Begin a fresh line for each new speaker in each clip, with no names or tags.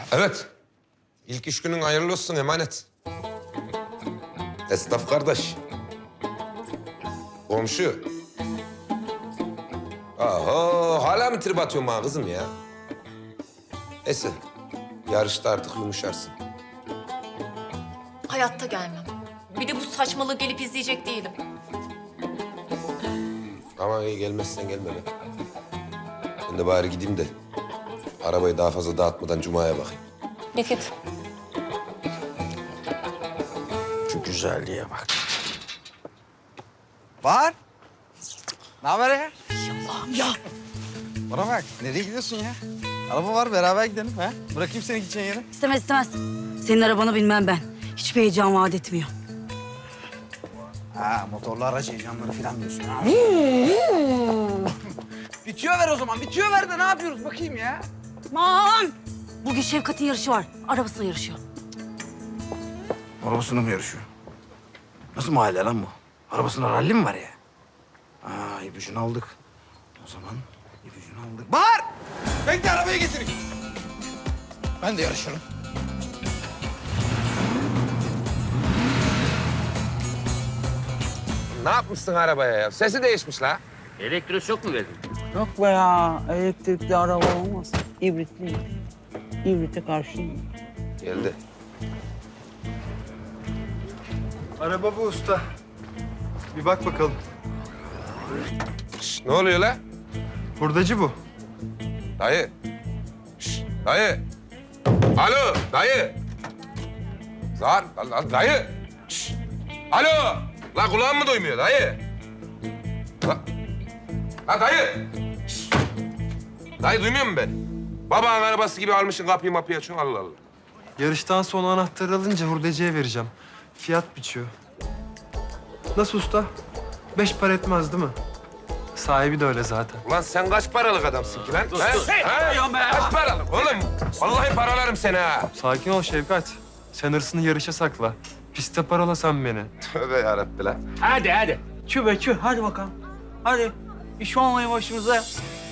Evet. İlk iş günün hayırlı olsun emanet. Esnaf kardeş. Komşu. Aha, hala mı trip atıyorsun bana kızım ya? Neyse, yarışta artık yumuşarsın.
Hayatta gelmem. Bir de bu saçmalığı gelip izleyecek değilim.
Ama iyi gelmezsen gelme be. Ben de bari gideyim de arabayı daha fazla dağıtmadan Cuma'ya bakayım.
Git.
Şu güzelliğe bak. Var. Ne haber ya?
Allah'ım ya.
Bana bak, nereye gidiyorsun ya? Araba var, beraber gidelim ha? Bırakayım seni gideceğin yere.
İstemez istemez. Senin arabanı bilmem ben. Hiçbir heyecan vaat etmiyor.
Ha, motorlu araç heyecanları falan diyorsun ha. Bitiyor ver o zaman, bitiyor ver de ne yapıyoruz bakayım ya?
Aman! Bugün Şevkat'in yarışı var. Arabasıyla yarışıyor.
Arabasına mı yarışıyor? Nasıl mahalle lan bu? Arabasına ralli mi var ya? Aa, ipucunu aldık. O zaman ipucunu aldık. Bahar! Bekle arabayı getireyim. Ben de yarışırım.
Ne yapmışsın arabaya ya? Sesi değişmiş la.
Elektroşok mu verdin?
Yok be ya, elektrikli araba olmaz. İbritliyim. İbrite karşıyım.
Geldi.
Araba bu usta. Bir bak bakalım.
Şş, ne oluyor la?
Hurdacı bu.
Dayı. Şş, dayı. Alo, dayı. Zar, dayı. Şş. Alo. La kulağım mı duymuyor dayı? La dayı. Şş. Dayı duymuyor musun beni? Babanın arabası gibi almışsın kapıyı mapıyı açıyorsun Allah Allah.
Yarıştan sonra anahtarı alınca hurdacıya vereceğim. Fiyat biçiyor. Nasıl usta? 5 para etmez değil mi? Sahibi de öyle zaten.
Ulan sen kaç paralık adamsın ki lan?
Dur,
Ha?
dur.
Ha? Kaç paralık oğlum? Vallahi paralarım seni ha.
Sakin ol Şevkat. Sen hırsını yarışa sakla. Piste parala sen beni.
Tövbe yarabbi lan.
Hadi.
Çü be çü, hadi bakalım. Hadi, iş olmayı başımıza.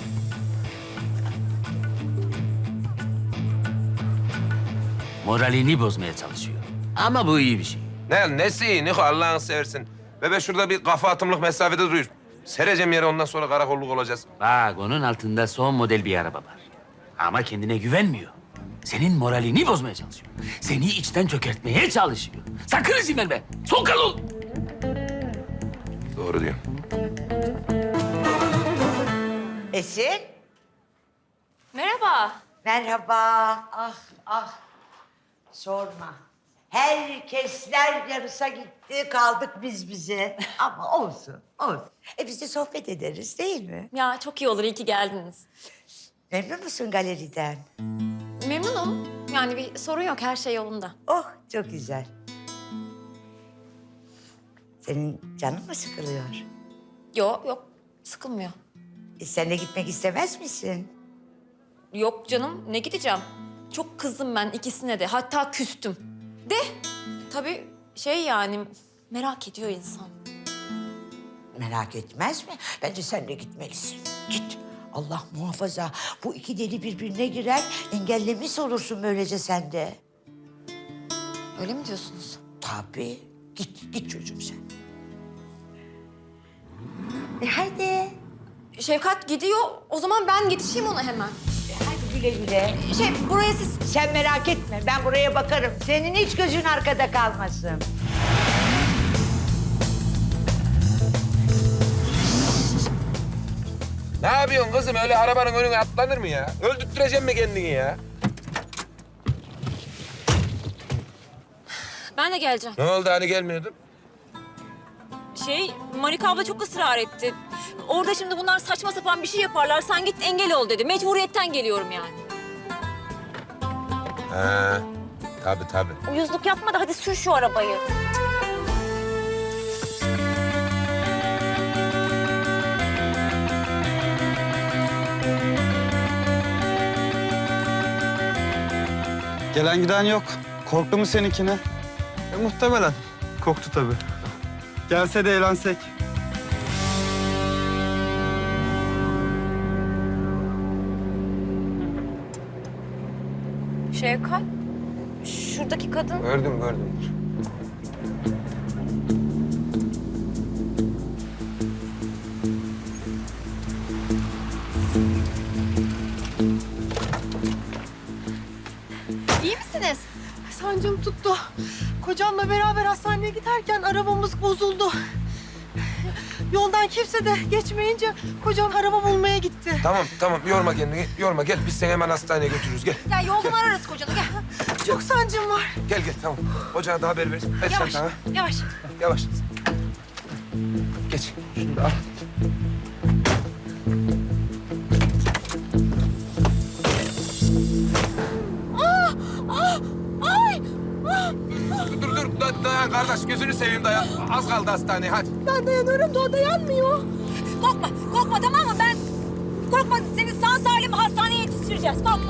Moralini bozmaya çalışıyor. Ama bu iyi bir şey.
Nesi iyi Niko Allah'ını seversin. Bebe şurada bir kafa atımlık mesafede duruyor. Sereceğim yere ondan sonra karakolluk olacağız.
Bak onun altında son model bir araba var. Ama kendine güvenmiyor. Senin moralini bozmaya çalışıyor. Seni içten çökertmeye çalışıyor. Sakın izin verme. Sokal ol.
Doğru diyorsun.
Esin,
Merhaba.
merhaba. Ah, sorma. Herkesler yarısa gitti, kaldık biz bize. Ama olsun. Biz de sohbet ederiz değil mi?
Ya çok iyi olur, iyi ki geldiniz.
Memnun musun galeriden?
Memnunum. Yani bir sorun yok, her şey yolunda.
Oh, çok güzel. Senin canın mı sıkılıyor?
Yok, sıkılmıyor.
Sen de gitmek istemez misin?
Yok canım, ne gideceğim? Çok kızdım ben ikisine de, hatta küstüm. De, tabii yani merak ediyor insan.
Merak etmez mi? Bence sen de gitmelisin. Git. Allah muhafaza. Bu iki deli birbirine girer, engellemiş olursun böylece sen de.
Öyle mi diyorsunuz?
Tabii. Git çocuğum sen. Hadi.
Şevkat gidiyor, o zaman ben yetişeyim ona hemen.
Hadi güle güle.
Buraya siz...
Sen merak etme, ben buraya bakarım. Senin hiç gözün arkada kalmasın.
Ne yapıyorsun kızım? Öyle arabanın önüne atlanır mı ya? Öldürtüreceğim mi kendini ya?
Ben de geleceğim.
Ne oldu hani gelmiyordun?
Marika abla çok ısrar etti. Orada şimdi bunlar saçma sapan bir şey yaparlar. Sen git engel ol dedi. Mecburiyetten geliyorum yani.
Ha, tabii.
Uyuzluk yapma da hadi sür şu arabayı.
Gelen giden yok. Korktu mu seninkine?
Muhtemelen. Koktu tabii. Gelse de eğlensek.
Şevkat, şuradaki kadın.
Gördüm.
İyi misiniz?
Sancım tuttu. Kocamla beraber hastaneye giderken arabamız bozuldu. Yoldan kimse de geçmeyince kocam araba bulmaya gitti.
Tamam. Yorma kendini. Yorma. Gel biz seni hemen hastaneye götürürüz. Gel.
Ya yoldan ararız kocanı, gel.
Çok sancım var.
Gel. Tamam. Ocağa da haber ver. Ver
Yavaş,
çantana.
yavaş.
Yavaş. Geç. Şunu da al. Dur. Dayan kardeş. Gözünü seveyim dayan. Az kaldı hastaneye. Hadi.
Ben dayanıyorum da o dayanmıyor.
Korkma tamam mı? Korkma seni sağ salim hastaneye yetiştireceğiz. Korkma.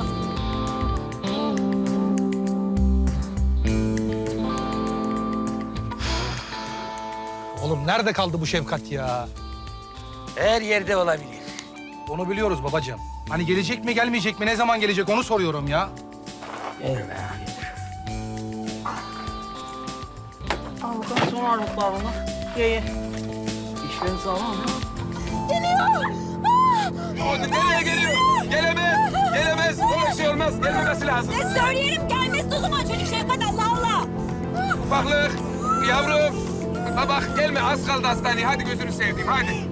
Oğlum nerede kaldı bu Şevkat ya?
Her yerde olabilir.
Onu biliyoruz babacığım. Hani gelecek mi gelmeyecek mi ne zaman gelecek onu soruyorum ya.
Al bakalım son ağırlıklarını. Ye. İşlerin sağlam mı?
Nereye geliyor? Gelemez. Böyle şey olmaz. Gelmemesi lazım.
Söyleyelim gelmesi o zaman çocuk Şevkat Allah Allah.
Ufaklık. Yavrum. Bak gelme. Az kaldı hastaneye. Hadi gözünü seveyim. Hadi.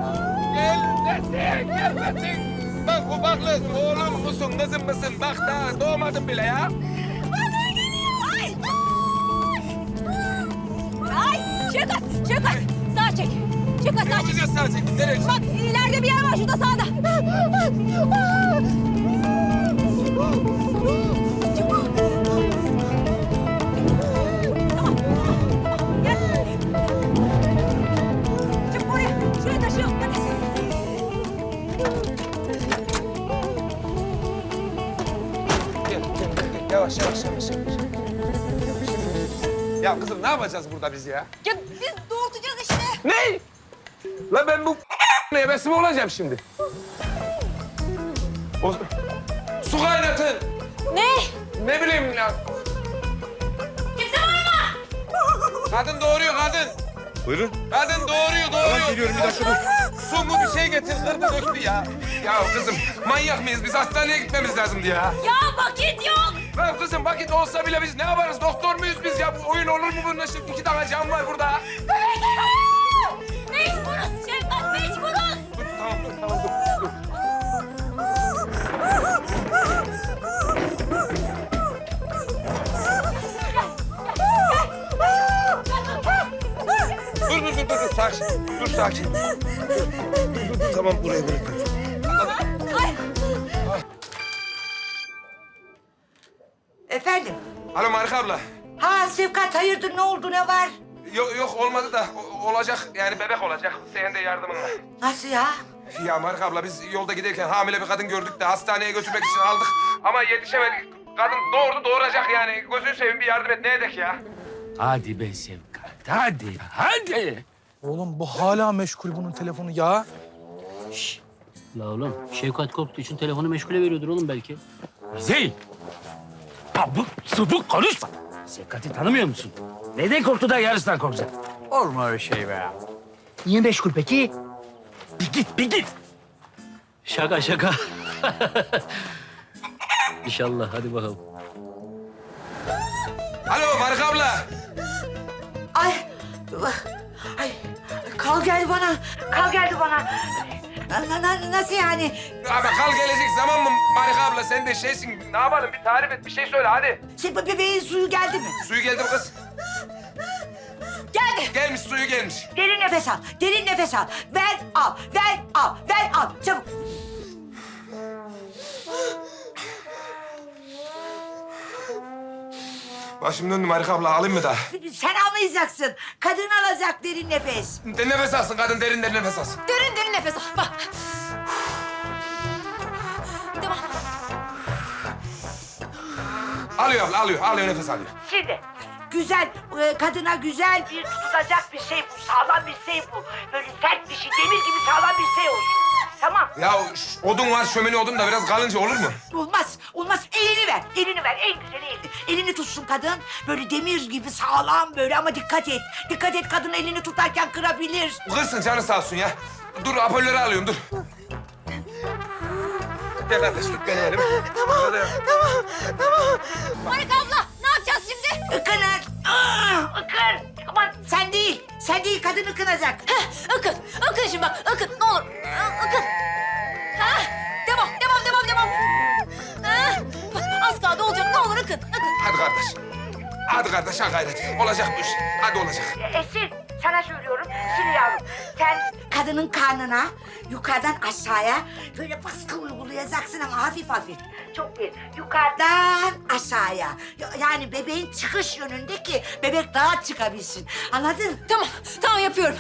Gelmesin. Bak ufaklık. Oğlum musun, kızım mısın? Bak daha doğmadın bile ya.
Ay Şevkat sağ çek. Şevkat
Ne
sağ çek.
yapacağız sadece? Nereye?
Bak ileride bir yer var şurada sağda. Tamam. Gel. Çık oraya. Şuraya taşıyalım hadi.
Gel. Yavaş. Ya kızım ne yapacağız burada biz ya?
Ya biz doğurtacağız işte.
Ne? Lan ben bu ebesi mi olacağım şimdi? Su kaynatın.
Ne?
Ne bileyim ya.
Kimse var mı?
Kadın doğuruyor kadın.
Buyurun.
Kadın doğuruyor.
Tamam geliyorum bir dakika dur.
Su mu bir şey getir kırdı döktü ya. Ya kızım manyak mıyız biz hastaneye gitmemiz lazımdı ya.
Ya vakit yok.
Ya kızım vakit olsa bile biz ne yaparız doktor muyuz biz ya? Bu oyun olur mu bunun şimdi 2 tane can var burada.
Mecburuz Şevkat mecburuz.
Dur tamam dur. Dur sakin. Dur sakin. Dur, tamam buraya bırakıyorum.
Efendim?
Alo Marika abla.
Ha Sevkat hayırdır ne oldu ne var?
Yok olmadı da olacak yani bebek olacak. Senin de yardımınla.
Nasıl ya?
Ya Marika abla biz yolda giderken hamile bir kadın gördük de hastaneye götürmek için aldık. Ama yetişemedik. Kadın doğuracak yani. Gözünü seveyim bir yardım et. Ne edek ya?
Hadi be Şevkat, hadi.
Oğlum bu hala meşgul bunun telefonu ya.
La oğlum, Şevkat korktuğu için telefonu meşgule veriyordur oğlum belki.
Zeyl! Abuk subuk konuşma. Şevkat'i tanımıyor musun? Neden korktu da yarısından korkacak?
Olma öyle şey be.
Niye meşgul peki? Bir git.
Şaka. İnşallah, hadi bakalım.
Alo Marika abla.
Ay kal geldi bana. Nasıl yani?
Abi kal gelecek zaman mı Marika abla? Sen de şeysin. Ne yapalım? Bir tarif et, bir şey söyle hadi.
Bebeğin suyu geldi mi?
Suyu geldi mi kız?
Geldi.
Gelmiş, suyu gelmiş.
Derin nefes al. Ver al. Çabuk.
Başım döndü Marika abla. Alayım mı daha?
Sen almayacaksın. Kadın alacak derin nefes.
Nefes alsın kadın. Derin nefes alsın.
Derin nefes al. Bak. Devam.
Alıyor abla, alıyor nefes alıyor.
Şimdi güzel, kadına güzel bir tutulacak bir şey bu. Sağlam bir şey bu. Böyle sert bir şey, demir gibi sağlam bir şey olsun. tamam.
Ya odun var, şömine odun da biraz kalınca olur mu?
Olmaz, olmaz. Elini ver, elini ver. En güzeli elini. Elini tutsun kadın. Böyle demir gibi sağlam böyle ama dikkat et. Dikkat et, kadın elini tutarken kırabilir.
Kırsın, canı sağ olsun ya. Dur, apolleri alıyorum, dur. Gel kardeş, tut beni elim. Tamam.
Marika abla ne yapacağız şimdi?
Ikınır. Ikır. Aman sen değil. Sen değil, kadın ıkınacak.
Heh, Akın şimdi bak, Akın ne olur. Akın. Ha, devam. Ha, bak, az kaldı olacak, ne olur Akın.
Hadi kardeş. Hadi kardeş, ha gayret. Olacak bu iş. Hadi olacak.
Esin, sana söylüyorum. Şimdi yavrum, sen kadının karnına yukarıdan aşağıya böyle baskı uygulayacaksın ama hafif hafif. Çok değil. Yukarıdan aşağıya. Yani bebeğin çıkış yönünde ki bebek rahat çıkabilsin. Anladın?
Tamam yapıyorum.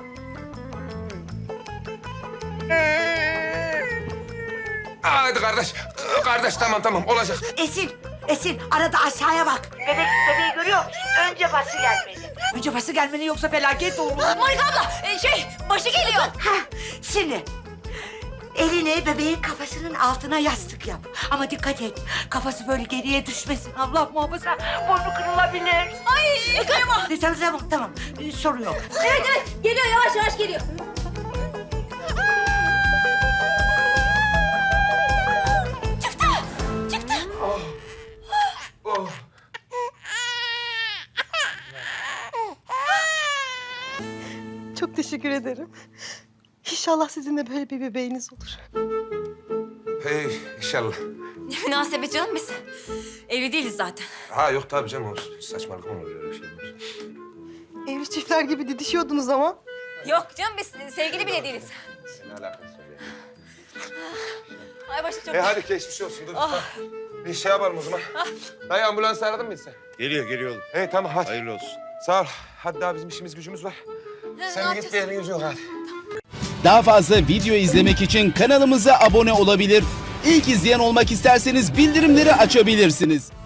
Hadi kardeş. Kardeş, tamam olacak.
Esin arada aşağıya bak. Bebeği görüyor musun? Önce bası gelmeli. Önce bası gelmeli yoksa felaket olur.
Marika abla başı geliyor.
Ha, şimdi elini bebeğin kafasının altına yastık yap. Ama dikkat et, kafası böyle geriye düşmesin. Allah muhafaza, burnu kırılabilir.
Ay kıyma.
Tamam. Sorun yok.
Evet geliyor yavaş geliyor. Çıktı.
Oh.
Çok teşekkür ederim. İnşallah sizin de böyle bir bebeğiniz olur.
Hey, inşallah.
Ne münasebet canım biz. Evli değiliz zaten.
Ha yok tabii canım, saçmalık mı olur öyle şey?
Evli çiftler gibi didişiyordunuz ama.
Yok canım biz sevgili bile değiliz.
Ne alakası var ya?
Ay başım çok...
Hadi geçmiş olsun, dur. Bir şey yapalım o zaman. Dayı, ambulans aradın mı sen?
Geliyor oğlum.
Hey tamam, hadi.
Hayırlı olsun.
Sağ ol. Hadi daha bizim işimiz gücümüz var. Sen de git, bir yerin yüzü yok hadi.
Daha fazla video izlemek için kanalımıza abone olabilir. İlk izleyen olmak isterseniz bildirimleri açabilirsiniz.